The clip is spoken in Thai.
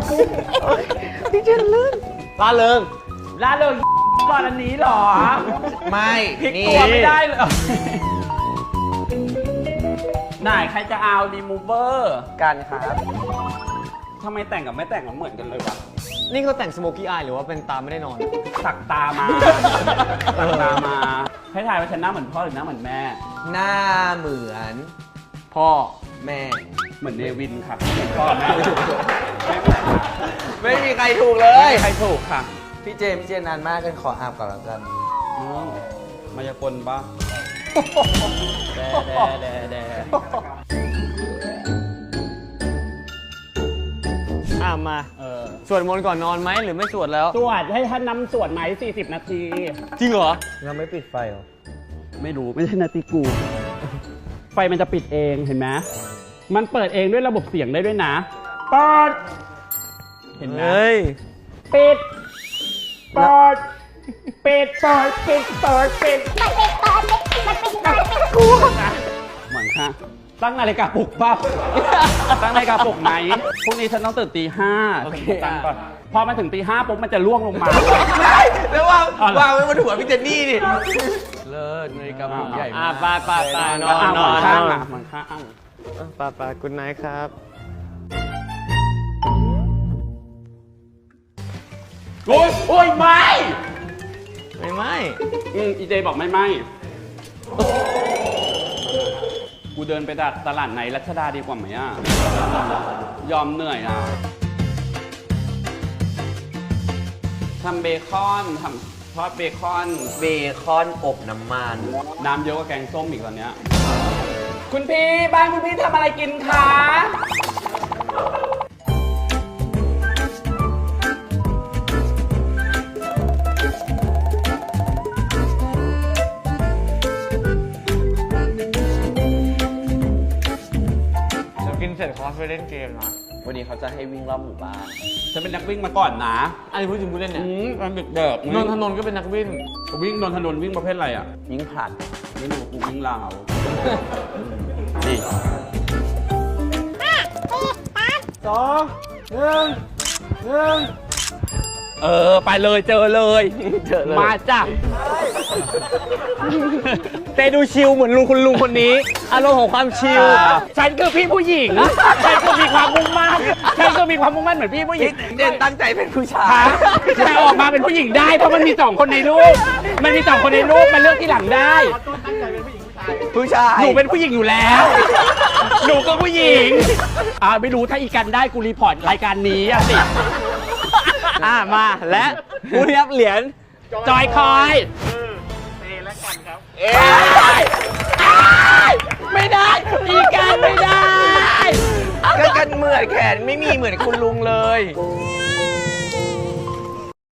พี่เจนลื่นล่าเริงก่อนอันนี้หรอไม่พลิกตัวไม่ได้เลยไหนใครจะเอารีมูเวอร์กันครับทำไมแต่งกับไม่แต่งเหมือนกันเลยวะนี่เขาแต่งสโมกี้อายหรือว่าเป็นตาไม่ได้นอนสักตามาให้ถ่ายว่าฉันหน้าเหมือนพ่อหรือหน้าเหมือนแม่หน้าเหมือนพ่อแม่เหมือนเนวินค่ะพ่อแม่ไม่มีใครถูกเลยใครถูกค่ะพี่เจนานมากกันขออาบก่อนแล้วกันมายากลปะแดมาสวดมนต์ก่อนนอนไหมหรือไม่สวดแล้วสวดให้ท่านนำสวดไหม40 นาทีจริงเหรอเราไม่ปิดไฟหรอไม่รู้ไม่ใช่นาทีกูไฟมันจะปิดเองเห็นไหมมันเปิดเองด้วยระบบเสียงได้ด้วยนะเปิดเห็นไหมปิดเปิดกูเหมือนค่ะตั้งนาฬิกาปลุกป่ะตั้งนาฬิกาปลุกไหมพรุ่งนี้ฉันต้องตื่นตี 5ตั้งก่อนพอมาถึงตี 5ปุ๊บมันจะล่วงลงมาแล้ววางไว้บนหัวพี่เจนนี่ดิเลิศนาฬิกาปลุกใหญ่มากไปนอนข้างเหมือนข้างไปกุณนายครับโอ้ยไม่อีเจบอกไม่กูเดินไปตลาดไหนรัชดาดีกว่าไหมอ่ะยอมเหนื่อยอ่ะทำเบคอนทำทอดเบคอนอบน้ำมันน้ำเยอะกว่าแกงส้มอีกตอนเนี้ยคุณพี่บ้านคุณพี่ทำอะไรกินคะเสร็จคอร์สไปเล่นเกมนะวันนี้เขาจะให้วิ่งรอบหมู่บ้านฉันเป็นนักวิ่งมาก่อนนะอันนี้พูดจริงพูดเล่นเนี่ยมันเด็กนนทนนท์ก็เป็นนักวิ่งนนทนนท์วิ่งประเภทอะไรอ่ะวิ่งผลัดไม่รู้กูวิ่งลาวนี่1 ไปเลยเจอเลยมาจ้ะเตดูชิลเหมือนคุณลุงคนนี้อารมณ์ของความชิลฉันคือพี่ผู้หญิงฉันก็มีความมุ่งมั่นเหมือนพี่ผู้หญิงเด่นตั้งใจเป็นผู้ชายแต่ออกมาเป็นผู้หญิงได้เพราะมันมี2 คนในรูปมันเลือกที่หลังได้ผู้ชายหนูเป็นผู้หญิงอยู่แล้วหนูก็ผู้หญิงไม่รู้ถ้าอีกันได้กูรีพอร์ตรายการนี้สิมาและผู้ที่รับเหรียญจอยคอยและกันครับไม่ได้อีกันไม่ได้กันเหมือนแขนไม่มีเหมือนคุณลุงเลย